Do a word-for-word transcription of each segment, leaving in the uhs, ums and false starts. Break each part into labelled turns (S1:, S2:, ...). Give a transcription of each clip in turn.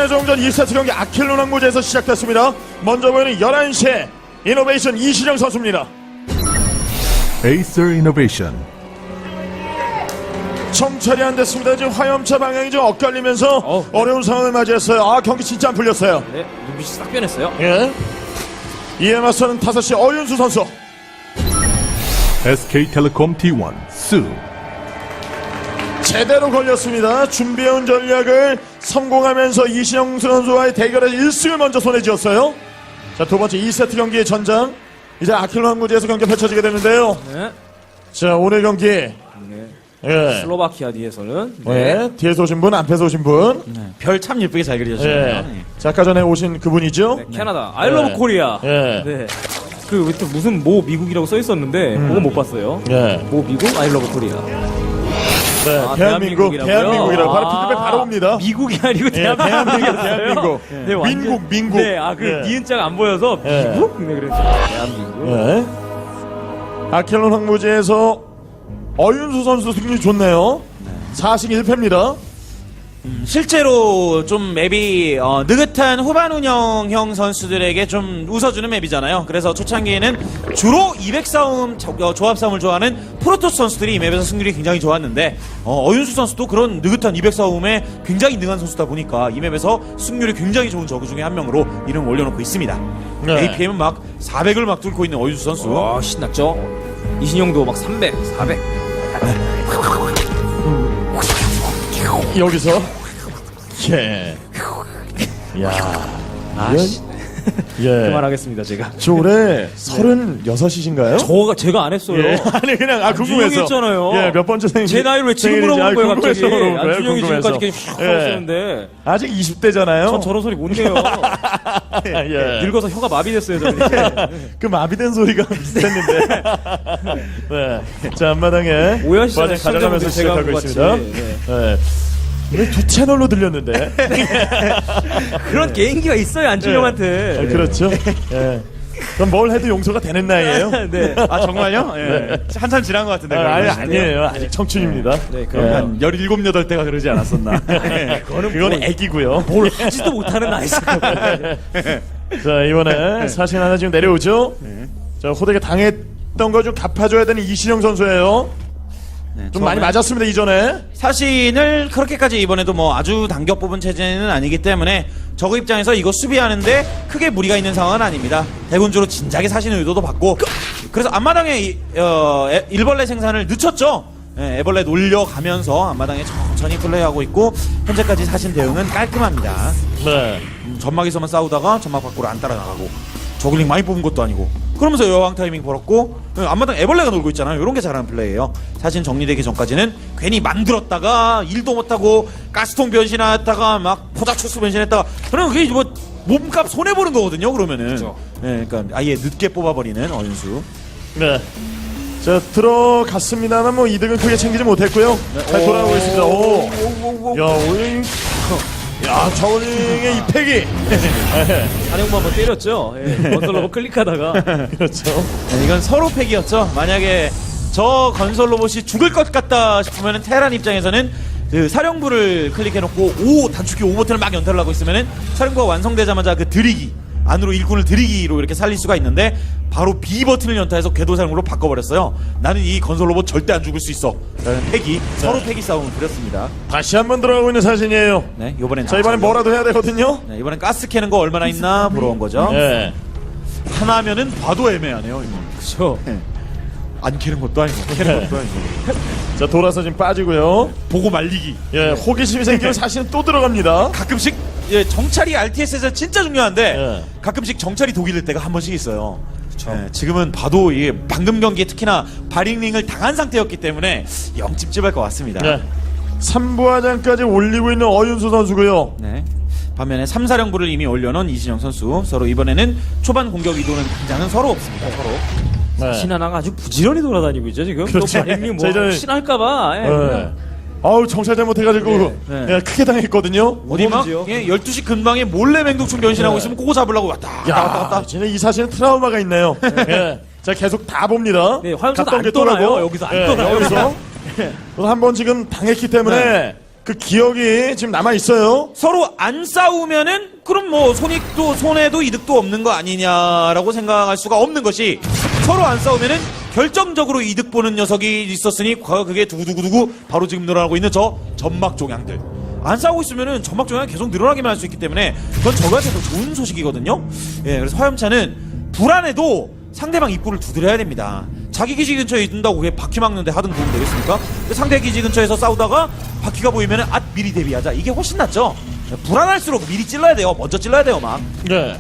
S1: 최종전 이 세트 경기 아킬론 항구제에서 시작됐습니다. 먼저 보이는 열한 시에 이노베이션 이신영 선수입니다.
S2: 에이서 이노베이션.
S1: 정찰이 안 됐습니다. 지금 화염차 방향이 좀 엇갈리면서
S3: 어.
S1: 어려운 상황을 맞이했어요. 아, 경기 진짜 안 풀렸어요.
S3: 네, 눈빛이 싹 변했어요.
S1: 예. 이에 맞서는 다섯 시 어윤수 선수.
S2: 에스케이텔레콤 티 원 수.
S1: 제대로 걸렸습니다. 준비해온 전략을 성공하면서 이신영 선수와의 대결에서 일 승을 먼저 손에 쥐었어요. 자, 두 번째 이 세트 경기의 전장. 이제 아킬론 항구제에서 경기가 펼쳐지게 되는데요.
S3: 네.
S1: 자, 오늘 경기.
S3: 네.
S1: 예.
S3: 슬로바키아 뒤에서는
S1: 네. 뒤에서 오신 분, 앞에서 오신 분.
S4: 별 참 예쁘게 잘 그려주셨네요.
S1: 예. 자, 아까 전에 오신 그분이죠.
S3: 네, 캐나다 아이러브
S1: 네.
S3: 코리아.
S1: 예.
S3: 네. 그 또 무슨 모 미국이라고 써 있었는데
S1: 음.
S3: 그건 못 봤어요.
S1: 예.
S3: 모 미국 아이러브 코리아.
S1: 네,
S3: 아,
S1: 대한민국,
S3: 대한민국이라고요?
S1: 대한민국이라고 바로
S3: 아.
S1: 피드백 바로 옵니다.
S3: 미국이 아니고
S1: 예, 대한민국,
S3: 대한민국이었어요.
S1: 대한민국.
S3: 네, 완전-
S1: 민국, 민국.
S3: 네, 아 그
S1: 예.
S3: 니은자가 안 보여서
S1: 예.
S3: 미국? 네, 그랬어요. 대한민국.
S1: 예. 아킬론 항구제에서 어윤수 선수 승리 좋네요. 사승 일 패입니다.
S4: 실제로 좀 맵이 어, 느긋한 후반 운영형 선수들에게 좀 웃어주는 맵이잖아요. 그래서 초창기에는 주로 이백 싸움, 조- 어, 조합 싸움을 좋아하는 프로토스 선수들이 이 맵에서 승률이 굉장히 좋았는데 어, 어윤수 선수도 그런 느긋한 이백 싸움에 굉장히 능한 선수다 보니까 이 맵에서 승률이 굉장히 좋은 저그 중에 한 명으로 이름을 올려놓고 있습니다.
S1: 네.
S4: 에이피엠은 막 사백을 막 뚫고 있는 어윤수 선수.
S3: 와 신났죠. 이신영도 막 삼백, 사백.
S1: 여기서. 예. 야.
S3: 아, 씨.
S1: 예.
S3: 그만하겠습니다 제가.
S1: 저 올해 서른여섯이신가요?
S3: 저가 제가 안 했어요.
S1: 예. 아니, 그냥, 아,
S3: 안준영이
S1: 궁금해서.
S3: 했잖아요.
S1: 예, 몇 번째 생일.
S3: 제 나이를 왜 지금
S1: 생일인지,
S3: 물어본 거예요
S1: 아,
S3: 갑자기?
S1: 궁금해서 물어본 거예요,
S3: 안준영이
S1: 궁금해서.
S3: 지금까지 계속 휙
S1: 예.
S3: 하고 있었는데
S1: 아직 이십 대잖아요.
S3: 전 저런 소리 못 내요.
S1: 예.
S3: 늙어서 혀가 마비됐어요 저는.
S1: 그 마비된 소리가 비슷했는데. 네. 자, 앞마당에.
S3: 오해하시잖아요,
S1: 과정 가져가면서
S3: 시청자분들 제가
S1: 시작하고
S3: 한
S1: 있습니다.
S3: 것 같이.
S1: 네. 왜 두 채널로 들렸는데?
S3: 그런 개인기가 있어요 안준영한테.
S1: 아, 그렇죠. 예. 그럼 뭘 해도 용서가 되는 나이에요?
S3: 네.
S4: 아 정말요? 예. 한참 지난 것 같은데.
S1: 아, 아니,
S4: 그런 거.
S1: 아니에요. 아직 청춘입니다.
S3: 네, 그럼
S1: 예.
S4: 한 열일곱, 여덟 대가 그러지 않았었나.
S1: 그거는, 그거는 애기고요.
S3: 뭘 하지도 못하는 나이스.
S1: 자, 이번에 사신 하나 지금 내려오죠? 자, 호되게 당했던 거 좀 갚아줘야 되는 이신영 선수예요.
S4: 네,
S1: 좀 많이 맞았습니다, 이전에.
S4: 사신을 그렇게까지 이번에도 뭐 아주 당겨 뽑은 체제는 아니기 때문에 저그 입장에서 이거 수비하는데 크게 무리가 있는 상황은 아닙니다. 대군주로 진작에 사신 의도도 받고 그래서 앞마당에 이, 어, 에, 일벌레 생산을 늦췄죠. 예, 애벌레 놀려가면서 앞마당에 천천히 플레이하고 있고 현재까지 사신 대응은 깔끔합니다.
S1: 네.
S4: 음, 점막에서만 싸우다가 점막 밖으로 안 따라나가고 저글링 많이 뽑은 것도 아니고 그러면서 여왕 타이밍 벌었고 앞마당 애벌레가 놀고 있잖아요. 이런 게 잘하는 플레이예요. 사실 정리되기 전까지는 괜히 만들었다가 일도 못하고 가스통 변신했다가 막 포자초스 변신했다가 그러면 그게 뭐 몸값 손해보는 거거든요. 그러면은
S3: 그렇죠.
S4: 네, 그러니까 아예 늦게 뽑아버리는 어윤수.
S1: 네. 자, 들어갔습니다만 뭐 이득은 크게 챙기지 못했고요. 잘 돌아오고 있습니다. 오. 야, 오늘. 야, 저울링의 이 패기.
S3: 한영만 한번 때렸죠. 예, 건설로 클릭하다가.
S1: 그렇죠.
S4: 네, 이건 서로 팩이었죠. 만약에 저 건설 로봇이 죽을 것 같다 싶으면은 테란 입장에서는 그 사령부를 클릭해놓고 오 단축키 오 버튼을 막 연타를 하고 있으면은 사령부가 완성되자마자 그 들이기 안으로 일꾼을 들이기로 이렇게 살릴 수가 있는데 바로 B 버튼을 연타해서 궤도사령부로 바꿔버렸어요. 나는 이 건설 로봇 절대 안 죽을 수 있어 라는 패기 서로 패기 싸움을 벌였습니다.
S1: 다시 한번 들어가고 있는 사진이에요.
S4: 네, 이번엔
S1: 자, 이번엔 뭐라도 해야 되거든요.
S4: 네, 이번엔 가스 캐는 거 얼마나 있나 보러 온 거죠.
S1: 예.
S4: 하나면은 봐도 애매하네요. 이거.
S3: 그렇죠.
S4: 안 캐는 것도 아니고 캐는 것도 아니고
S1: 자, 돌아서 지금 빠지고요.
S4: 보고 말리기.
S1: 예, 호기심이 생기면 사실은 또 들어갑니다.
S4: 가끔씩 예, 정찰이 알티에스에서 진짜 중요한데
S1: 예.
S4: 가끔씩 정찰이 독이 될 때가 한 번씩 있어요. 예, 지금은 봐도 이게 방금 경기에 특히나 바링링을 당한 상태였기 때문에 영 찝찝할 것 같습니다.
S1: 예. 삼부화장까지 올리고 있는 어윤수 선수고요.
S4: 네. 반면에 삼사령부를 이미 올려놓은 이진영 선수 서로 이번에는 초반 공격 이도는 당장은 서로 없습니다. 서로.
S1: 네.
S3: 신하나가 아주 부지런히 돌아다니고 있죠 지금.
S1: 그렇죠.
S3: 또 마린님 뭐
S1: 저희는-
S3: 혹시할까봐. 예,
S1: 예.
S3: 그냥.
S1: 아우, 정찰 잘못해가지고
S4: 네, 네.
S1: 예, 크게 당했거든요.
S4: 어디 막
S3: 뭐든지요.
S4: 예, 열두 시 근방에 몰래 맹독충 변신하고
S1: 네.
S4: 있으면 그거 잡으려고 왔다
S1: 야,
S4: 갔다 왔다 갔다.
S1: 진짜 이 사실은 트라우마가 있네요. 예. 자, 계속 다 봅니다.
S3: 네, 화염차도
S1: 갔던
S3: 안
S1: 게
S3: 떠나요.
S1: 떠나고.
S3: 여기서 안
S1: 예,
S3: 떠나요.
S1: 여기서 한 번 지금 당했기 때문에 그 기억이 지금 남아 있어요.
S4: 서로 안 싸우면은 그럼 뭐 손익도 손해도 이득도 없는 거 아니냐라고 생각할 수가 없는 것이 서로 안 싸우면은 결정적으로 이득 보는 녀석이 있었으니 과거 그게 두구두구두구 바로 지금 늘어나고 있는 저 점막 종양들. 안 싸우고 있으면은 점막 종양이 계속 늘어나기만 할 수 있기 때문에 그건 저거한테도 좋은 소식이거든요. 예, 그래서 화염차는 불안해도 상대방 입구를 두드려야 됩니다. 자기 기지 근처에 있는다고 그게 바퀴 막는데 하등 도움 되겠습니까? 상대 기지 근처에서 싸우다가 바퀴가 보이면은 아 미리 대비하자. 이게 훨씬 낫죠. 불안할수록 미리 찔러야 돼요. 먼저 찔러야 돼요, 막.
S1: 네.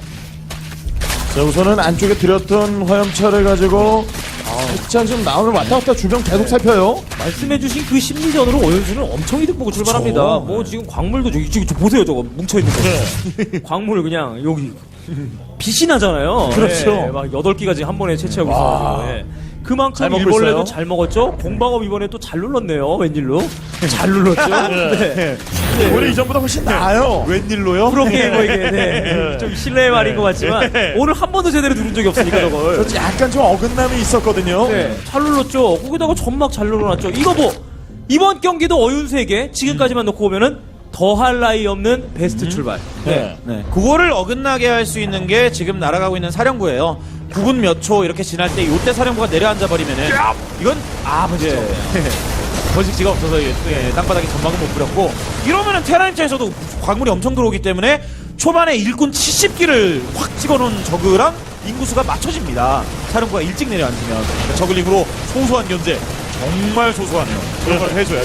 S1: 자, 우선은 안쪽에 들였던 화염차를 가지고 살짝 좀 나오는 왔다 갔다 주변 계속 살펴요.
S3: 말씀해주신 그 심리전으로 오연수는 엄청 이득 보고 출발합니다. 뭐 지금 광물도 저기 지금 저 보세요, 저거 뭉쳐 있는 거.
S1: 네.
S3: 광물 그냥 여기 빛이 나잖아요.
S1: 그렇죠.
S3: 예, 막 여덟 기가 지금 한 번에 채취하고 있어가지고. 예. 그만큼
S1: 잘 먹고
S3: 일벌레도
S1: 있어요.
S3: 잘 먹었죠. 공방업 이번에 또 잘 눌렀네요. 웬일로? 잘 눌렀죠. 네.
S1: 오히려 이전보다 훨씬 나아요.
S4: 웬일로요?
S3: 프로게이머 이게 네. 좀 실례의 말인 것 같지만 오늘 한 번도 제대로 누른 적이 없으니까 저걸.
S1: 그렇지, 약간 좀 어긋남이 있었거든요.
S3: 네, 잘 눌렀죠. 거기다가 점막 잘 눌러놨죠. 이거 뭐 이번 경기도 어윤수에게 지금까지만 놓고 보면은 더할 나위 없는 베스트 출발.
S1: 네.
S4: 네. 그거를 어긋나게 할 수 있는 게 지금 날아가고 있는 사령부예요. 구 분 몇 초 이렇게 지날 때 요때 사령부가 내려앉아 버리면은 이건 아 번식지가 없네요. 번식지가 없어서 예, 예, 땅바닥에 전막은 못 뿌렸고 이러면은 테라 입장에서도 광물이 엄청 들어오기 때문에 초반에 일꾼 칠십 기를 확 찍어놓은 저그랑 인구수가 맞춰집니다. 사령부가 일찍 내려앉으면 그러니까 저글링으로 소소한 견제 정말 소소하네요. 그런 걸 해줘야죠.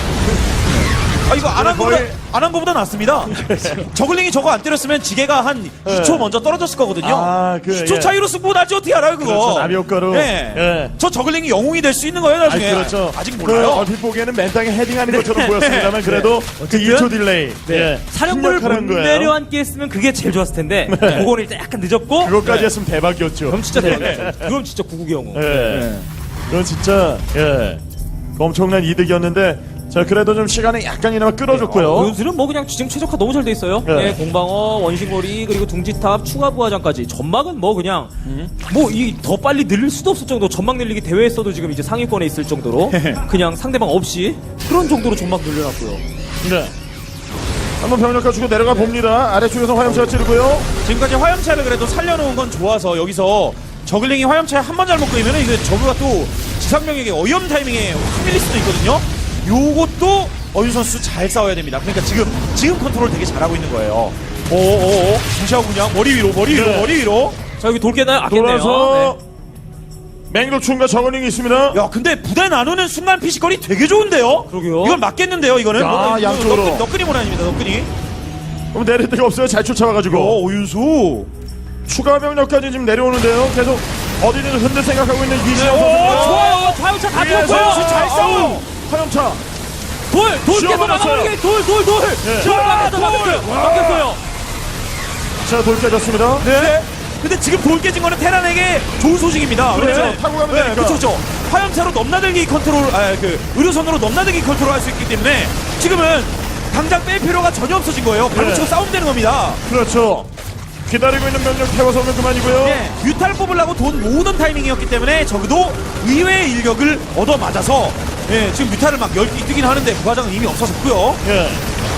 S4: 아 이거 안 한 거보다
S1: 거의-
S4: 안 한 거보다 낫습니다. 저글링이 저거 안 때렸으면 지게가 한 이 초 먼저 떨어졌을 거거든요.
S1: 아, 그,
S4: 이 초
S1: 예.
S4: 차이로 승부 나지 어떻게 알아요 그거?
S1: 그렇죠, 나비 효과로.
S4: 네.
S1: 예.
S4: 저 저글링이 영웅이 될 수 있는 거예요
S1: 아니,
S4: 나중에.
S1: 그렇죠.
S4: 아직
S1: 그
S4: 몰라요.
S1: 얼핏 보기에는 맨땅에 헤딩하는 것처럼 보였습니다만 그래도 그 이 초 딜레이. 예.
S3: 사령부를 못
S1: 생략하는 거예요.
S3: 내려앉게 했으면 그게 제일 좋았을 텐데 그거는 일단 약간 늦었고
S1: 그것까지 했으면 대박이었죠.
S3: 그럼 진짜 대박이었죠. 그럼 진짜 구국의 영웅.
S1: 예. 그건 진짜 예. 엄청난 이득이었는데 자 그래도 좀 시간을 약간이나마 끌어줬고요.
S3: 어윤수는 뭐 그냥 지금 최적화 너무 잘 돼 있어요.
S1: 네.
S3: 예, 공방어, 원심거리 그리고 둥지탑 추가 부하장까지 전막은 뭐 그냥 뭐 이 더 빨리 늘릴 수도 없을 정도 전막 늘리기 대회에서도 지금 이제 상위권에 있을 정도로 그냥 상대방 없이 그런 정도로 전막 늘려놨고요.
S1: 네. 한번 병력 가지고 내려가 봅니다. 아래쪽에서 화염차가 찌르고요.
S4: 지금까지 화염차를 그래도 살려놓은 건 좋아서 여기서 저글링이 화염차에 한 번 잘못 끄이면은 이게 저그가 또 지상병에게 어이없는 타이밍에 확 밀릴 수도 있거든요. 요것도 어윤 선수 잘 싸워야 됩니다. 그러니까 지금 지금 컨트롤 되게 잘하고 있는 거예요. 오오오 무시하고 그냥 머리 위로 머리 위로
S1: 네.
S4: 머리 위로.
S3: 자 여기 돌게나 아꼈네요.
S1: 돌아서
S3: 네.
S1: 맹독충과 저글링이 있습니다.
S4: 야 근데 부대 나누는 순간 피지컬이 되게 좋은데요?
S3: 그러게요.
S4: 이건 맞겠는데요 이거는?
S1: 야,
S4: 뭐,
S1: 양쪽으로.
S4: 너끈, 너끈이 못 아닙니다 너끈이.
S1: 그럼 내릴 데가 없어요. 잘
S4: 어,
S1: 쫓아와가지고
S4: 오윤수.
S1: 추가 병력까지 지금 내려오는데요. 계속 어디든 흔들 생각하고 있는 이시영
S3: 오,
S1: 선수입니다.
S3: 좋아요. 좌우차 다 들었고요.
S1: 잘 싸워. 화염차.
S3: 돌! 돌 깨서
S1: 씌워버렸어요.
S3: 막아버리게! 돌! 돌! 돌!
S1: 네.
S3: 지금 막혔어! 막혔어요! 막혔어요!
S1: 자 돌 깨졌습니다.
S4: 네. 근데 지금 돌 깨진 거는 테란에게 좋은 소식입니다.
S1: 그렇죠.
S4: 왜냐면-
S1: 타고 가면
S4: 네,
S1: 되니까.
S4: 그렇죠, 그렇죠. 화염차로 넘나들기 컨트롤, 아, 그 의료선으로 넘나들기 컨트롤 할 수 있기 때문에 지금은 당장 뺄 필요가 전혀 없어진 거예요. 바로
S1: 네.
S4: 치고 싸우면 되는 겁니다.
S1: 그렇죠. 기다리고 있는 병력 태워서 오면 그만이고요.
S4: 네, 뮤탈 뽑으려고 돈 모으던 타이밍이었기 때문에 적어도 의외의 일격을 얻어 맞아서 예, 지금 뮤탈을 막 열 개 뜨긴 하는데 부하장은 이미 없어졌고요.
S1: 예.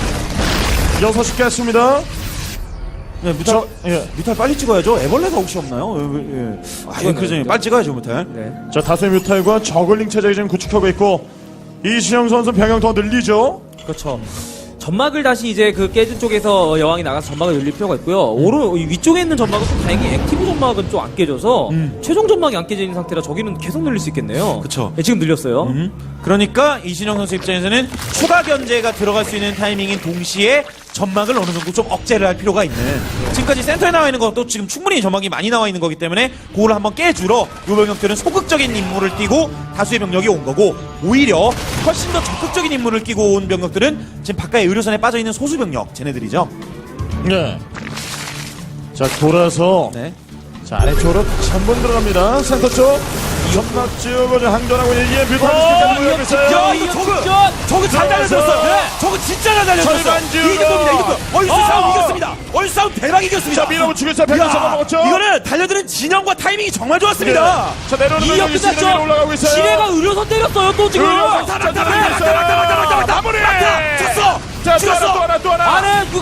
S1: 여섯 시 깼습니다.
S4: 네, 뮤탈,
S1: 저, 예.
S4: 뮤탈 빨리 찍어야죠. 애벌레가 혹시 없나요? 예, 예. 아, 이건 그죠. 빨리 찍어야죠, 뮤탈.
S3: 네.
S1: 자 다수의 뮤탈과 저글링 체제를 지금 구축하고 있고 이시영 선수 병영 더 늘리죠.
S3: 그렇죠. 점막을 다시 이제 그 깨진 쪽에서 여왕이 나가서 점막을 늘릴 필요가 있고요. 오른 이 위쪽에 있는 점막은 좀 다행히 액티브 점막은 좀 안 깨져서 최종 점막이 안 깨져 있는 상태라 저기는 계속 늘릴 수 있겠네요.
S4: 그쵸.
S3: 네, 지금 늘렸어요.
S4: 음. 그러니까 이신영 선수 입장에서는 추가 견제가 들어갈 수 있는 타이밍인 동시에 점막을 어느 정도 좀 억제를 할 필요가 있는 지금까지 센터에 나와 있는 것도 지금 충분히 점막이 많이 나와 있는 거기 때문에 그걸 한번 깨주러 요 병력들은 소극적인 임무를 띄고 다수의 병력이 온 거고 오히려 훨씬 더 적극적인 임무를 끼고 온 병력들은 지금 바깥에 의료선에 빠져있는 소수 병력 쟤네들이죠.
S1: 네. 자 돌아서
S4: 네.
S1: 자 아래쪽으로 다시 한번 들어갑니다. 센터 쪽 점막 지우고 좀 항전하고 있는 이에 뮤탈리스트까지 모여고 있어요.
S4: 야, 이거 저그 저그 잘 달려들었어. 네. 저그 진짜 잘 달려들었어.
S1: 절반 지우고.
S4: 이득입니다. 이득. 얼싸
S3: 어!
S4: 싸움 이겼습니다. 얼싸 싸움 대박 이겼습니다.
S1: 자 밀어붙이고 있어요. 백점
S4: 야,
S1: 잡아먹었죠.
S4: 이거는 달려드는 진영과 타이밍이 정말 좋았습니다.
S1: 네. 자 내려오는
S3: 이역
S1: 병력이 지금
S3: 끝났죠?
S1: 올라가고 있어요.
S3: 지뢰가 의료선 때렸어요 또 지금.
S1: 의료선 자, 자, 자, 자, 자, 자, 마무리.
S4: 쳤어.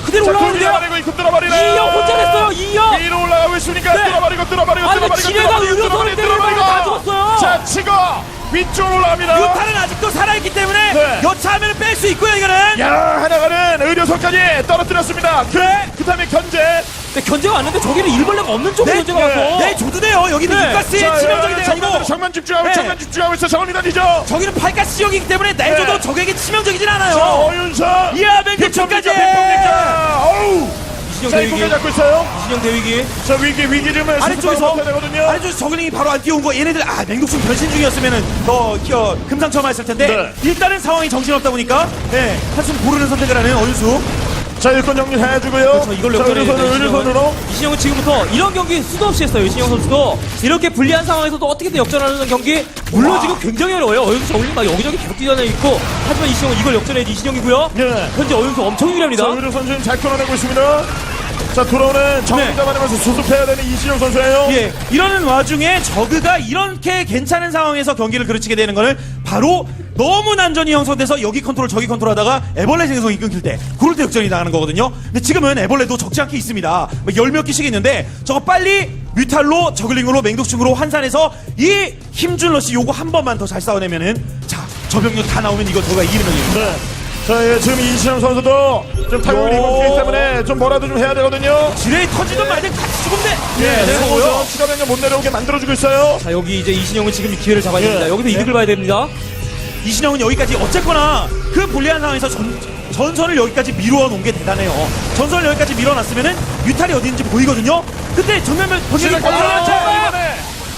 S3: 그대로
S1: 자,
S3: 올라가는데요.
S1: 뚫어버리고 이급 뚫어버리네.
S3: 이영 혼자 냈어요. 이영.
S1: 위로 올라가고 있으니까
S3: 네.
S1: 뚫어버리고 뚫어버리고
S3: 아니,
S1: 뚫어버리고
S3: 지뢰가
S1: 뚫어버리고
S3: 의료선을 때리는 바람에 다 죽었어요.
S1: 자, 치고 위쪽으로 올라갑니다.
S4: 뮤탈은 아직도 살아있기 때문에
S1: 네.
S4: 여차하면 뺄 수 있고요 이거는.
S1: 야, 하나가는 의료선까지 떨어뜨렸습니다. 그, 그 다음에 견제.
S3: 근데 견제가 왔는데 저기는 일벌레가 없는 쪽으로
S4: 네,
S3: 견제가 와서.
S4: 네, 줘도 돼요. 여기는
S3: 네.
S4: 육가스에
S1: 자,
S4: 치명적이
S1: 야,
S4: 돼가지고.
S1: 정면, 정면 집중하고
S4: 네.
S1: 정면 집중하고 있어. 정원이 다니죠.
S4: 저기는 팔가스 지역이기 때문에 내줘도
S1: 네.
S4: 적에게 치명적이진
S1: 자,
S4: 않아요.
S1: 어윤선.
S4: 이야, 맹독충까지.
S1: 백범니까 어우.
S3: 이신영
S1: 자,
S3: 대위기.
S1: 이공개 잡고 있어요.
S3: 이신영 대위기.
S1: 자, 위기, 위기 좀
S4: 아래쪽에서
S1: 되거든요.
S4: 아래쪽에서 저글링이 바로 안 뛰어온 거 얘네들 아 맹독충 변신 중이었으면은 더 어, 금상첨화했을 텐데
S1: 네.
S4: 일단은 상황이 정신없다 보니까 네, 한숨 고르는 선택을 하는 어윤수.
S1: 자, 일꾼 정리해주고요.
S3: 그렇죠. 이걸
S1: 자,
S3: 역전해야
S1: 의료선,
S3: 돼요,
S1: 의료선으로.
S3: 이신영은 지금부터 이런 경기 수도 없이 했어요. 이신영 선수도 이렇게 불리한 상황에서도 어떻게든 역전하는 경기 물론 지금 굉장히 어려워요. 어윤수 저울링 막 여기저기 계속 뛰어다니고 있고 하지만 이신영은 이걸 역전해야지 이신영이고요.
S1: 예.
S3: 현재 어윤수 엄청 유리합니다.
S1: 자, 의료선 지금 잘 끊어내고 있습니다. 자, 돌아오는 정리 잡아내면서 수습해야 되는 이신영 선수예요.
S4: 예, 이러는 와중에 저그가 이렇게 괜찮은 상황에서 경기를 그르치게 되는 거는 바로 너무 난전이 형성돼서 여기 컨트롤 저기 컨트롤 하다가 애벌레 생성이 끊길 때 그럴 때 역전이 나가는 거거든요. 근데 지금은 애벌레도 적지 않게 있습니다. 열 몇 개씩 있는데 저거 빨리 뮤탈로 저글링으로 맹독충으로 환산해서 이 힘준 러시 요거 한 번만 더 잘 싸워내면은 자, 저 병력 다 나오면 이거 저가 이기는 거예요.
S1: 네. 자, 예, 지금 이신영 선수도 좀 타격을 입었기 때문에 좀 뭐라도 좀 해야 되거든요.
S4: 지뢰 터지든 말든 같이 죽으면 돼.
S1: 예,
S4: 네,
S1: 내려오죠. 추가 병력 못 내려오게 만들어주고 있어요.
S3: 자 여기 이제 이신영은 지금 기회를 잡아야
S1: 예.
S3: 됩니다. 여기서
S1: 예.
S3: 이득을 봐야 됩니다.
S4: 이신영은 여기까지 어쨌거나 그 불리한 상황에서 전, 전선을 여기까지 밀어놓은 게 대단해요. 전선을 여기까지 밀어놨으면은 뮤탈이 어디인지 보이거든요. 근데 정면면 번지를
S1: 시작하죠.
S4: 아,
S1: 이번에.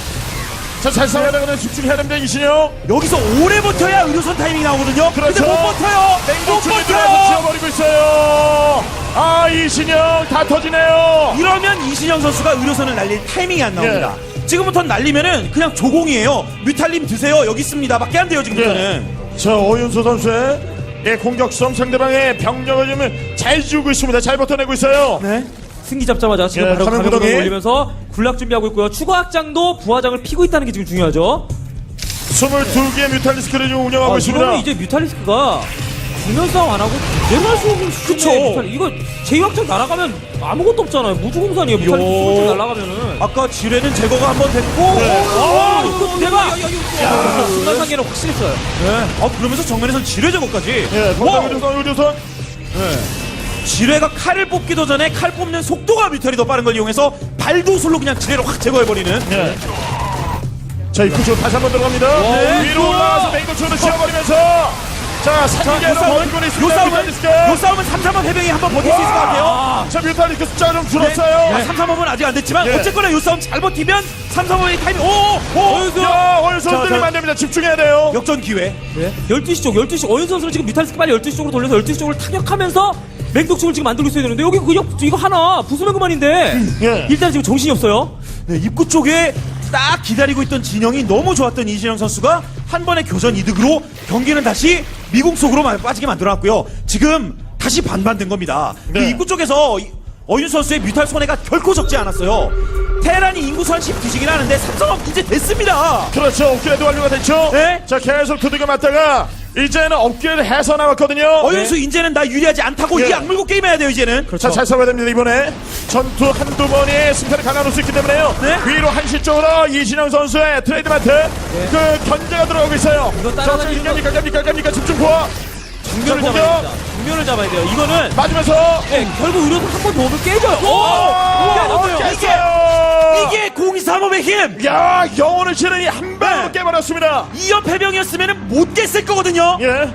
S1: 자, 잘 싸워야 되거든요. 집중해야 됩니다, 이신영.
S4: 여기서 오래 버텨야 의료선 타이밍이 나오거든요.
S1: 그렇죠.
S4: 근데 못 버텨요. 못
S1: 맹독충이 들어와서
S4: 버텨요.
S1: 지워버리고 있어요. 아, 이신영 다 터지네요.
S4: 이러면 이신영 선수가 의료선을 날릴 타이밍이 안 나옵니다.
S1: 예.
S4: 지금부터는 날리면은 그냥 조공이에요. 뮤탈님 드세요. 여기 있습니다. 밖에 안 돼요 지금부터는.
S1: 예. 자, 어윤수 선수의 예, 공격성 상대방의 병력을 좀 잘 지우고 있습니다. 잘 버텨내고 있어요.
S4: 네.
S3: 승기 잡자마자 지금
S1: 예,
S3: 바로
S1: 가면
S3: 가면을
S1: 구덩이.
S3: 올리면서 군락 준비하고 있고요. 추가 확장도 부하장을 피고 있다는 게 지금 중요하죠.
S1: 스물두 개의 뮤탈리스크를 지금 운영하고
S3: 아,
S1: 있습니다.
S3: 이거는 이제 뮤탈리스크가 국면 싸움 안 하고 제대로 할 수 없는
S4: 그쵸.
S3: 수준의 뮤탈 이거 제이 확장 날아가면 아무것도 없잖아요. 무주공산이에요. 뮤탈리스크 스무 장 날아가면은.
S4: 아까 지뢰는 제거가 한번 됐고.
S3: 아, 이거 대박! 야, 순간 상계는 확실히 써요.
S4: 네. 아 그러면서 정면에서 지뢰 제거까지.
S1: 예,
S4: 와!
S1: 본당 의료선, 의료선.
S4: 지뢰가 칼을 뽑기도 전에 칼 뽑는 속도가 뮤탈이 더 빠른 걸 이용해서 발도술로 그냥 지뢰를 확 제거해버리는.
S1: 예. 자, 입구 쪽 다시 한 번 들어갑니다.
S4: 네.
S1: 위로 올라가서 맹독충으로 지워버리면서 자, 상계로 버티고 있습니다.
S4: 요 싸움은
S1: 뮤탈리스크.
S4: 요 싸움은 삼, 삼 번 해병이 한번 버틸 수 있을 것 같아요.
S1: 자, 뮤탈리스크 숫자 좀 줄었어요.
S4: 네, 삼, 삼 번은 아직 안 됐지만
S1: 예.
S4: 어쨌거나 요 싸움 잘 버티면 삼, 삼 번의 타이밍. 오! 오!
S1: 야, 어윤수
S4: 자,
S1: 흔들리면
S4: 자.
S1: 안 됩니다. 집중해야 돼요.
S4: 역전 기회.
S3: 네. 열두 시 쪽, 열두 시 어윤 선수는 지금 뮤탈리스크 빨리 열두 시 쪽으로 돌려서 열두 시 쪽으로 타격하면서 맹독충을 지금 만들고 있어야 되는데 여기 그냥 이거 하나 부수면 그만인데
S1: 예.
S3: 일단 지금 정신이 없어요.
S4: 네, 입구 쪽에 딱 기다리고 있던 진영이 너무 좋았던 이진영 선수가 한 번의 교전 이득으로 경기는 다시 미국 속으로 빠지게 만들어놨고요. 지금 다시 반반된 겁니다.
S1: 네.
S4: 그 입구 쪽에서 이- 어윤 선수의 뮤탈 손해가 결코 적지 않았어요. 테란이 인구수 한 십 뒤지긴 하는데 삼성업 이제 됐습니다.
S1: 그렇죠. 업그레이드 완료가 됐죠.
S4: 네.
S1: 자, 계속 두들겨 맞다가 이제는 업그레이드 해서 나왔거든요.
S4: 어윤수 이제는 나 유리하지 않다고
S1: 예.
S4: 이 악물고 게임해야 돼요 이제는.
S1: 자, 잘 싸워야 됩니다. 이번에 전투 한두 번의 승패를 갈라놓을 수 있기 때문에요.
S4: 네.
S1: 위로 한시 쪽으로 이진영 선수의 트레이드 마트 그 견제가 들어오고 있어요.
S3: 이거
S1: 자,
S3: 따라다니는
S1: 지금 갑니까 갑니까 갑니까 집중 포화
S3: 정면을
S1: 자,
S3: 잡아야
S1: 공격.
S3: 됩니다. 정면을 잡아야 돼요. 이거는
S1: 맞으면서
S3: 네, 결국 의료선 한 번 더 오면 깨져요. 오!
S1: 오!
S3: 깨졌어요.
S1: 깼어요.
S4: 이게 공이삼업의 힘.
S1: 야, 영혼을 치르니 한 방으로
S4: 네.
S1: 깨버렸습니다.
S4: 이연 패병이었으면 못 깼을 거거든요.
S1: 예.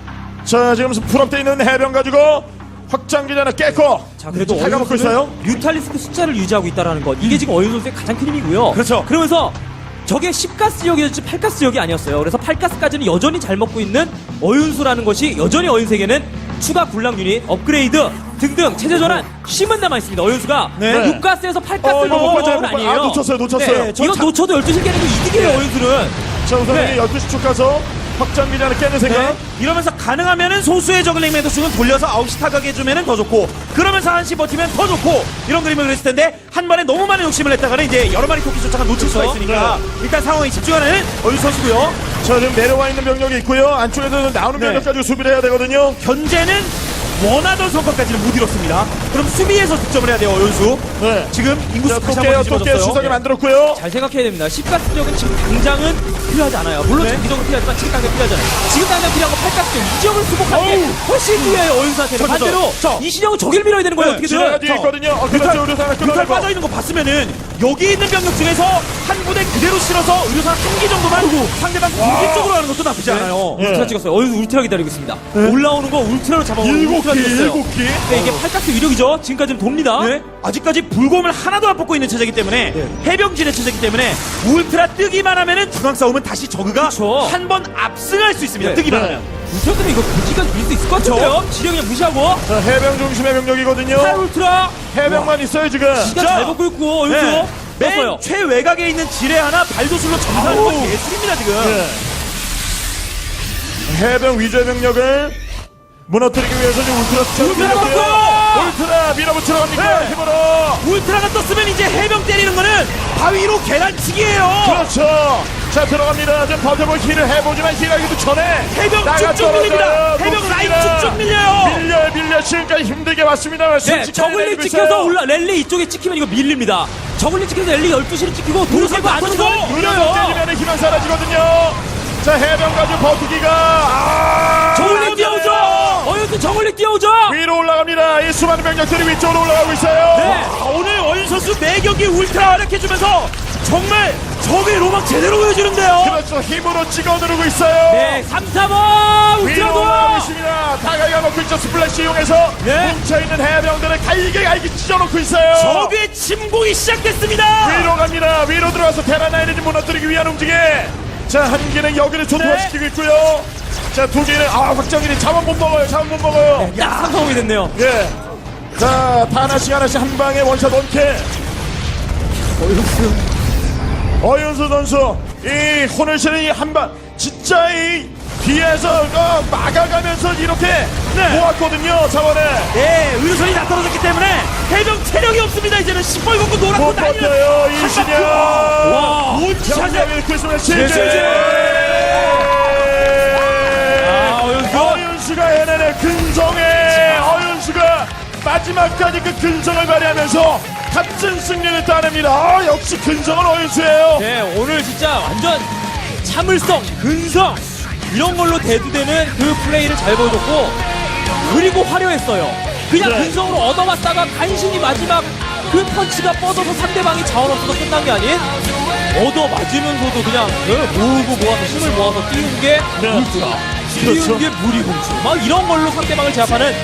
S1: 자, 지금 풀업돼 있는 해병 가지고 확장기지 하나 깼고.
S3: 자, 그래도
S1: 잘 가먹고
S3: 어윤수는
S1: 있어요.
S3: 뮤탈리스크 숫자를 유지하고 있다는 것. 이게 지금 어윤 선수의 가장 큰 힘이고요.
S4: 그렇죠.
S3: 그러면서 저게 십 가스 지역이었지 팔 가스 지역이 아니었어요. 그래서 팔 가스까지는 여전히 잘 먹고 있는 어윤수라는 것이 여전히 어윤세계는 추가 군락 유닛, 업그레이드 등등 체제 전환 힘은 남아 있습니다. 어윤수가
S4: 네.
S3: 육 가스에서 팔
S1: 어,
S3: 가스를
S1: 이거 못
S3: 넘어가는
S1: 봤어요,
S3: 건
S1: 못 봤-
S3: 아니에요.
S1: 아, 놓쳤어요, 놓쳤어요.
S3: 네,
S1: 저
S3: 이거
S1: 참-
S3: 놓쳐도 열두 시 깨는 게 이득이에요,
S1: 네.
S3: 어윤수는.
S1: 자, 우선
S3: 네.
S1: 열두 시 쪽 가서 확장기지 하나 깨는 생각.
S4: 네. 이러면서 가능하면은 소수의 저글링 매도수는 돌려서 아홉 시 타격해 주면은 더 좋고 그러면서 한 시 버티면 더 좋고 이런 그림을 그렸을 텐데 한 번에 너무 많은 욕심을 냈다가는 이제 여러 마리 토끼 쫓아가 놓칠 수가
S3: 그렇죠.
S4: 있으니까 일단 상황에 집중하는 어윤 선수고요.
S1: 자, 지금 내려와 있는 병력이 있고요. 안쪽에서 나오는
S4: 네.
S1: 병력 가지고 수비를 해야 되거든요.
S4: 현재는 원하던 성과까지는 못 이뤘습니다. 그럼 수비에서 득점을 해야 돼요, 어윤수.
S1: 네.
S4: 지금 인구수 다시
S1: 토끼
S4: 한번
S1: 토끼 시선이
S4: 뒤집어졌어요.
S1: 만들었고요.
S3: 잘 생각해야 됩니다. 십가스력은 지금 당장은 필요하지 않아요. 물론
S4: 네.
S3: 장기적으로 필요하지만 지금 당장 필요하잖아요. 지금 당장 필요한 건 팔각정 이 지역을 수복하는 게 훨씬 중요해요. 어윤수한테는.
S4: 저, 저, 저.
S3: 반대로
S4: 저.
S3: 이신영은 저길 밀어야 되는 거예요.
S4: 네,
S3: 어떻게든.
S1: 지나가 뒤에 있거든요. 어, 그렇죠. 의료사가
S4: 뮤탈
S1: 끊어내고.
S4: 빠져 있는 거 봤으면은 여기 있는 병력 중에서 한 부대 그대로 실어서 의료사 한 기 정도만 상대방 공격 쪽으로 하는 것도 나쁘지 않아요.
S1: 예.
S3: 울트라 찍었어요. 어윤수 울트라 기다리고 있습니다. 올라오는 거 울트라로 잡아오는
S1: 일곱
S3: 울트라
S1: 기,
S3: 찍었어요.
S1: 일곱 기.
S3: 네, 이게 팔각수 위력이죠. 지금까지는 돕니다.
S4: 네. 아직까지 불곰을 하나도 안 뽑고 있는 체제이기 때문에 해병진의 체제이기 때문에 울트라 뜨기만 하면은 중앙 싸움은 다시 저그가
S3: 그쵸.
S4: 한 번 압승할 수 있습니다.
S3: 네.
S4: 뜨기만
S1: 네.
S4: 하면.
S3: 울트라 때문에 이거 부지가 밀 수 있을 것 같은데요? 지뢰 그냥 무시하고.
S1: 자, 해병 중심의 병력이거든요.
S3: 팔 울트라.
S1: 해병만 있어요 지금.
S3: 기가
S4: 자,
S3: 잘 먹고 있고 어윤수.
S4: 네.
S3: 떴어요.
S4: 맨 최외곽에 있는 지뢰 하나 발도술로 점사하는 건
S1: 아우.
S4: 예술입니다 지금.
S1: 네. 해병 위주의 병력을 무너뜨리기 위해서 지금 울트라 수첩을
S4: 울트라
S1: 밀었고요.
S4: 갔어!
S1: 울트라 밀어붙이러 갑니까?
S4: 네.
S1: 힘으로.
S4: 울트라가 떴으면 이제 해병 때리는 거는 바위로 계란치기예요.
S1: 그렇죠. 자 들어갑니다. 좀 버텨볼 힐을 해보지만 힐하기도 전에
S4: 해병
S1: 나가
S4: 쭉쭉 밀립니다.
S1: 떨어져요.
S4: 해병
S1: 녹습니다.
S4: 라인 쭉쭉 밀려요.
S1: 밀려 밀려 지금까지 힘들게 왔습니다.
S3: 네, 저글링 찍혀서 올라 랠리 이쪽에 찍히면 이거 밀립니다. 저글링 찍혀서 랠리 열두 시를 찍히고 도로세고 안
S4: 맞춰서
S3: 오고
S1: 밀려서
S3: 밀려요.
S1: 때리면 희망 사라지거든요. 자 해병 가지고 버티기가 아,
S3: 저글링 뛰어오죠. 어윤수 저글링 뛰어오죠.
S1: 위로 올라갑니다. 이 수많은 병력들이 위쪽으로 올라가고 있어요.
S3: 네.
S4: 아, 오늘 어윤 선수 매 경기 울트라 활약해주면서 정말 적의 로망 제대로 보여주는데요.
S1: 그렇죠. 힘으로 찍어 누르고 있어요.
S3: 네, 삼, 삼, 오
S1: 위로 올라가고
S3: 울트라도.
S1: 있습니다. 다가가 놓고 있죠. 스플래시 이용해서
S4: 네.
S1: 뭉쳐있는 해병들을 갈게 갈게 찢어놓고 있어요.
S4: 적의 침공이 시작됐습니다.
S1: 위로 갑니다. 위로 들어와서 테라나이를 좀 무너뜨리기 위한 움직임. 자, 한 개는 여기를 초토화시키고 있고요. 자, 두 개는 아, 확정일이 자원 못 먹어요. 자원 못 먹어요.
S3: 딱 삼성이 됐네요.
S1: 예. 자, 다 하나씩 하나씩 한 방에 원샷 원캐. 어윤수. 어윤수 선수. 이 혼을 실은 이 한 방. 진짜 이 뒤에서 어, 막아가면서 이렇게
S4: 네.
S1: 모았거든요. 자원을.
S4: 네, 의료선이 다 떨어졌기 때문에 해병 체력이 없습니다. 이제는 시뻘겋고 노랗고
S1: 못
S4: 난리는
S1: 버텨요. 이신영.
S3: 와,
S4: 울차제.
S1: 영역을 크리스마스
S4: 제제.
S1: 치즈.
S3: 아, 어윤수.
S1: 어윤수가 해내는 근성의 어윤수가 마지막까지 그 근성을 발휘하면서 값진 승리를 따냅니다. 아, 역시 근성은 어윤수예요.
S3: 네, 오늘 진짜 완전 참을성, 근성 이런 걸로 대두되는 그 플레이를 잘 보여줬고 그리고 화려했어요. 그냥
S1: 네.
S3: 근성으로 얻어맞다가 간신히 마지막 그 펀치가 뻗어서 상대방이 자원 없어서 끝난 게 아닌 얻어맞으면서도 그냥 그 모으고 모아서 힘을 모아서 띄운 게
S1: 네.
S3: 울트라,
S1: 그렇죠.
S3: 띄운 게 무리공주 막 이런 걸로 상대방을 제압하는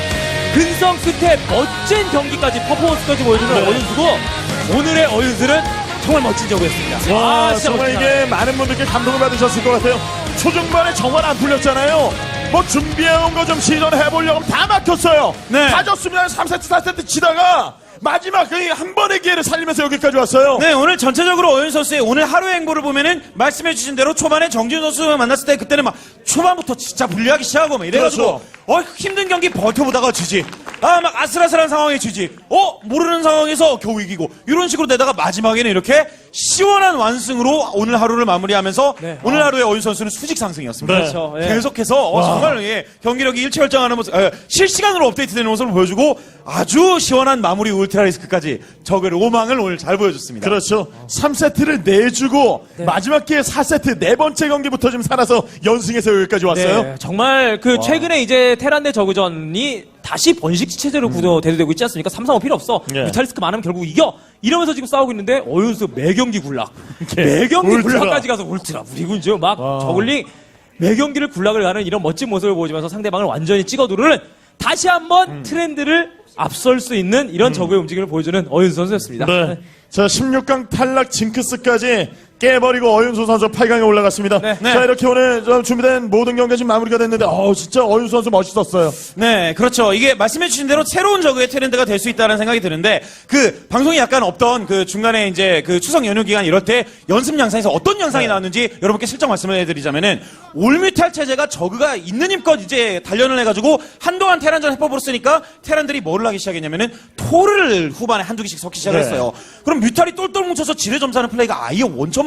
S3: 근성 끝에 멋진 경기까지 퍼포먼스까지 보여주는
S1: 네.
S3: 어윤수고 오늘의 어윤수는 정말 멋진 저구였습니다.
S1: 와,
S3: 아, 진짜
S1: 정말
S3: 멋지다.
S1: 이게 많은 분들께 감동을 받으셨을 것 같아요. 초중반에 정말 안 풀렸잖아요. 뭐 준비해온 거 좀 시전해보려고 하면 다 막혔어요.
S4: 네.
S1: 다 졌습니다. 삼 세트, 사 세트 치다가 마지막 그 한 번의 기회를 살리면서 여기까지 왔어요.
S4: 네, 오늘 전체적으로 어윤 선수의 오늘 하루의 행보를 보면은 말씀해주신 대로 초반에 정지훈 선수 만났을 때 그때는 막 초반부터 진짜 불리하기 시작하고 막 이래가지고
S1: 그렇죠.
S4: 어 힘든 경기 버텨보다가 지지. 아 막 아슬아슬한 상황에 지지. 어 모르는 상황에서 겨우 이기고 이런 식으로 되다가 마지막에는 이렇게 시원한 완승으로 오늘 하루를 마무리하면서
S3: 네.
S4: 오늘 하루의 어윤 선수는 수직 상승이었습니다.
S1: 네.
S3: 그렇죠. 예.
S4: 계속해서 어, 정말 예, 경기력이 일취월장하는 모습, 에, 실시간으로 업데이트되는 모습을 보여주고 아주 시원한 마무리 울트라리스크까지 적의 로망을 오늘 잘 보여줬습니다.
S1: 그렇죠. 삼 세트를 내주고 마지막 기회 사 세트 네 번째 경기부터 좀 살아서 연승해서 여기까지 왔어요.
S3: 네, 정말 그 최근에 이제 테란 대 저그전이 다시 번식지 체제로 구도 대두되고 있지 않습니까? 삼, 삼, 오 필요 없어.
S1: 네.
S3: 뮤탈리스크 많으면 결국 이겨. 이러면서 지금 싸우고 있는데 어윤수 매경기 굴락. 매경기
S1: 울트라.
S3: 굴락까지 가서 울트라 무리군죠. 막 저글링 매경기를 굴락을 가는 이런 멋진 모습을 보여주면서 상대방을 완전히 찍어 누르는 다시 한번
S1: 음.
S3: 트렌드를 앞설 수 있는 이런 저그의 움직임을 보여주는 어윤수 선수였습니다.
S1: 네. 자, 십육 강 탈락 징크스까지 깨버리고 어윤수 선수 팔 강에 올라갔습니다.
S3: 네.
S1: 자, 이렇게 오늘 좀 준비된 모든 경기가 지금 마무리가 됐는데, 어 진짜 어윤수 선수 멋있었어요.
S4: 네, 그렇죠. 이게 말씀해주신 대로 새로운 저그의 트렌드가 될 수 있다는 생각이 드는데, 그, 방송이 약간 없던 그 중간에 이제 그 추석 연휴 기간 이럴 때 연습 영상에서 어떤 영상이
S1: 네.
S4: 나왔는지 여러분께 슬쩍 말씀을 해드리자면은, 올뮤탈 체제가 저그가 있는 힘껏 이제 단련을 해가지고 한동안 테란전 해법으로 쓰니까 테란들이 뭐를 하기 시작했냐면은, 토를 후반에 한두 개씩 섞기
S1: 네.
S4: 시작했어요. 그럼 뮤탈이 똘똘 뭉쳐서 지뢰 점사하는 플레이가 아예 원천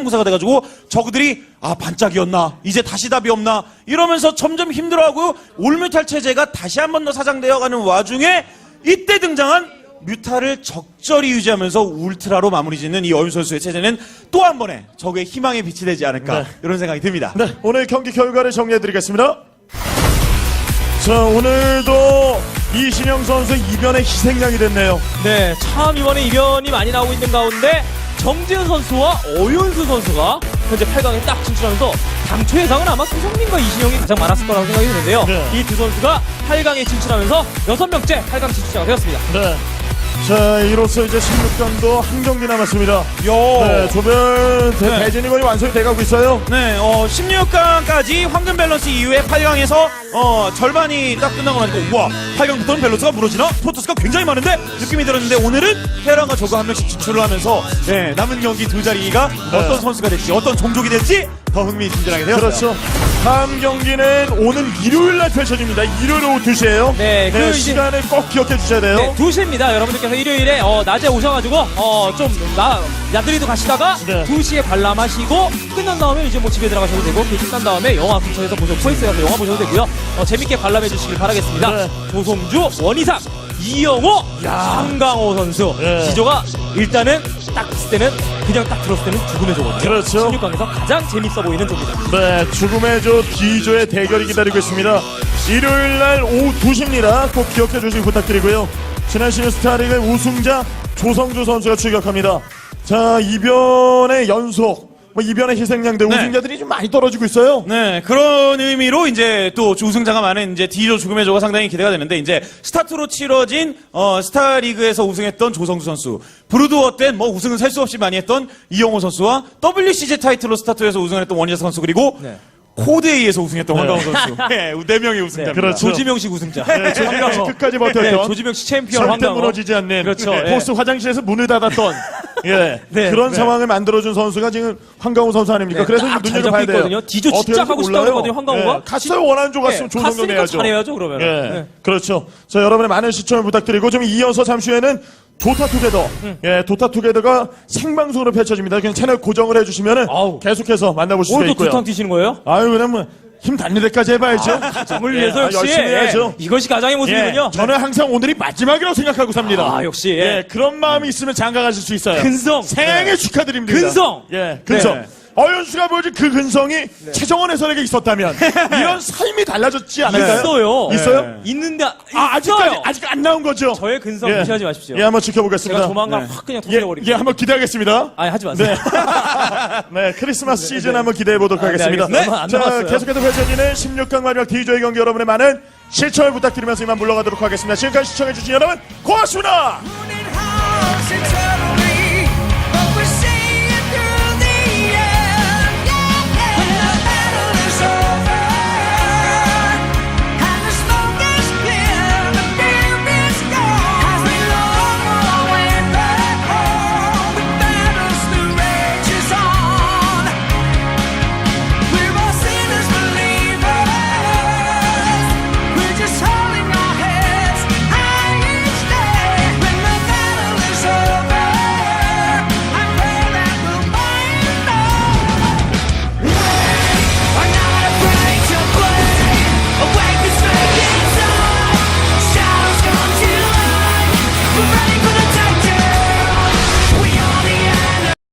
S4: 성대모사가 돼가지고 저그들이 아 반짝이었나 이제 다시 답이 없나 이러면서 점점 힘들어하고 올뮤탈 체제가 다시 한 번 더 사장되어가는 와중에 이때 등장한 뮤타를 적절히 유지하면서 울트라로 마무리 짓는 이 어윤 선수의 체제는 또 한 번의 적의 희망의 빛이 되지 않을까
S1: 네.
S4: 이런 생각이 듭니다.
S1: 네, 오늘 경기 결과를 정리해드리겠습니다. 자, 오늘도 이신영 선수 이변의 희생양이 됐네요.
S3: 네, 참 이번에 이변이 많이 나오고 있는 가운데 정재현 선수와 어윤수 선수가 현재 팔 강에 딱 진출하면서 당초 예상은 아마 손흥민과 이신영이 가장 많았을 거라고 생각이 드는데요.
S1: 네.
S3: 이 두 선수가 팔 강에 진출하면서 여섯 명째 팔 강 진출자가 되었습니다.
S1: 네. 자, 이로써 이제 십육 강도 한 경기 남았습니다.
S4: 요.
S1: 네, 조별 대,
S4: 네.
S1: 대진이 거의 완성이 돼가고 있어요.
S4: 네, 어, 십육 강까지 황금 밸런스 이후에 팔 강에서 어, 절반이 딱 끝나고 나니까 우와 팔 강부터는 밸런스가 무너지나? 프로토스가 굉장히 많은데? 느낌이 들었는데 오늘은 테란과 저그 한 명씩 진출을 하면서 네, 남은 경기 두 자리가 어떤 선수가 될지 어떤 종족이 될지 더 흥미진진하게 되었어요.
S1: 그렇죠. 다음 경기는 오늘 일요일 날 펼쳐집니다. 일요일 오후 두 시에요.
S3: 네, 그 이제-
S1: 시간을 꼭 기억해 주셔야 돼요.
S3: 네, 두 시입니다. 여러분들께서 일요일에 어, 낮에 오셔가지고 어, 좀 나, 야들이도 가시다가
S1: 네.
S3: 두 시에 관람하시고 끝난 다음에 이제 뭐 집에 들어가셔도 되고 그 끝난 다음에 영화 근처에서 보셔도 코엑스에 가서 영화 보셔도 되고요. 어, 재밌게 관람해 주시길 바라겠습니다.
S1: 네.
S3: 조성주, 원희상, 이영호, 한강호 선수
S1: 네.
S3: 기조가 일단은 딱 봤을 때는 그냥 딱 들었을 때는 죽음의 조거든요.
S1: 그렇죠.
S3: 십육 강에서 가장 재밌어 보이는 조입니다.
S1: 네, 죽음의 조 D조의 대결이 기다리고 있습니다. 일요일 날 오후 두 시입니다. 꼭 기억해 주시기 부탁드리고요. 지난 시즌 스타리그 우승자 조성주 선수가 출격합니다. 자, 이변의 연속, 뭐 이변의 희생양들
S4: 네.
S1: 우승자들이 좀 많이 떨어지고 있어요.
S4: 네, 그런 의미로 이제 또 우승자가 많은 이제 D조 죽음의 조가 상당히 기대가 되는데 이제 스타트로 치러진 어, 스타리그에서 우승했던 조성주 선수, 브루드워 때 뭐 우승은 셀 수 없이 많이 했던 이영호 선수와 더블유씨지 타이틀로 스타트에서 우승을 했던 원희상 선수 그리고
S3: 네.
S4: 코드A에서 우승했던 황강호 선수. 네, 네 명의 우승자입니다.
S1: 그렇죠.
S3: 조지명식 우승자.
S1: 네, 조지명 씨 끝까지 버텼던.
S3: 네, 조지명식 챔피언
S1: 절대
S3: 황강호.
S1: 무너지지 않는
S3: 그렇죠.
S1: 네,
S3: 예.
S1: 포스 화장실에서 문을 닫았던 예,
S3: 네,
S1: 그런
S3: 네.
S1: 상황을 만들어준 선수가 지금 황강호 선수 아닙니까?
S3: 네,
S1: 그래서
S3: 딱
S1: 좀
S3: 잘
S1: 눈여겨봐야
S3: 잡고
S1: 돼요.
S3: 있거든요. 디조
S1: 어떻게
S3: 진짜
S1: 할지
S3: 하고 싶다고
S1: 몰라요.
S3: 그러거든요, 황강호가.
S1: 예, 갔어요. 원하는 조 갔으면
S3: 네,
S1: 조성도
S3: 갔으니까
S1: 내야죠.
S3: 잘해야죠, 그러면.
S1: 예,
S3: 네.
S1: 그렇죠. 자, 여러분의 많은 시청을 부탁드리고 좀 이어서 잠시 후에는 도타투게더,
S3: 음.
S1: 예, 도타투게더가 생방송으로 펼쳐집니다. 그냥 채널 고정을 해주시면은
S3: 아우.
S1: 계속해서 만나보실 수
S3: 오늘도
S1: 있고요.
S3: 두탕 뛰시는 거예요?
S1: 아유, 그러면 힘 닿는 데까지 해봐야죠.
S3: 가정을
S1: 예,
S3: 위해서
S1: 아,
S3: 역시
S1: 열심히 해야죠.
S3: 예, 이것이 가장의 모습이군요.
S1: 예, 저는 항상 오늘이 마지막이라고 생각하고 삽니다.
S3: 아, 역시, 예.
S1: 예, 그런 마음이 있으면 장가가실 수 있어요.
S3: 근성.
S1: 생애
S3: 네.
S1: 축하드립니다.
S3: 근성.
S1: 예, 근성.
S3: 네.
S1: 어윤수가 보여준 그 근성이 최정원 해설에게 있었다면 이런 삶이 달라졌지 않을까요?
S3: 있어요.
S1: 있어요?
S3: 네. 있는데
S1: 아,
S3: 있어요.
S1: 아직까지 아직 안 나온 거죠?
S3: 저의 근성
S1: 예.
S3: 무시하지 마십시오.
S1: 예, 한번 지켜보겠습니다.
S3: 제가 조만간
S1: 네.
S3: 확 그냥
S1: 예,
S3: 터뜨려버리겠습니다.
S1: 예, 한번 기대하겠습니다.
S3: 아니 하지 마세요.
S1: 네. 네, 크리스마스 시즌 한번 기대해 보도록
S3: 아, 네,
S1: 하겠습니다.
S3: 알겠습니다. 안
S1: 자,
S3: 남았어요.
S1: 계속해서 펼쳐지는 십육 강 마지막 D조의 경기 여러분의 많은 시청을 부탁드리면서 이만 물러가도록 하겠습니다. 지금까지 시청해주신 여러분 고맙습니다.
S5: Running house, it's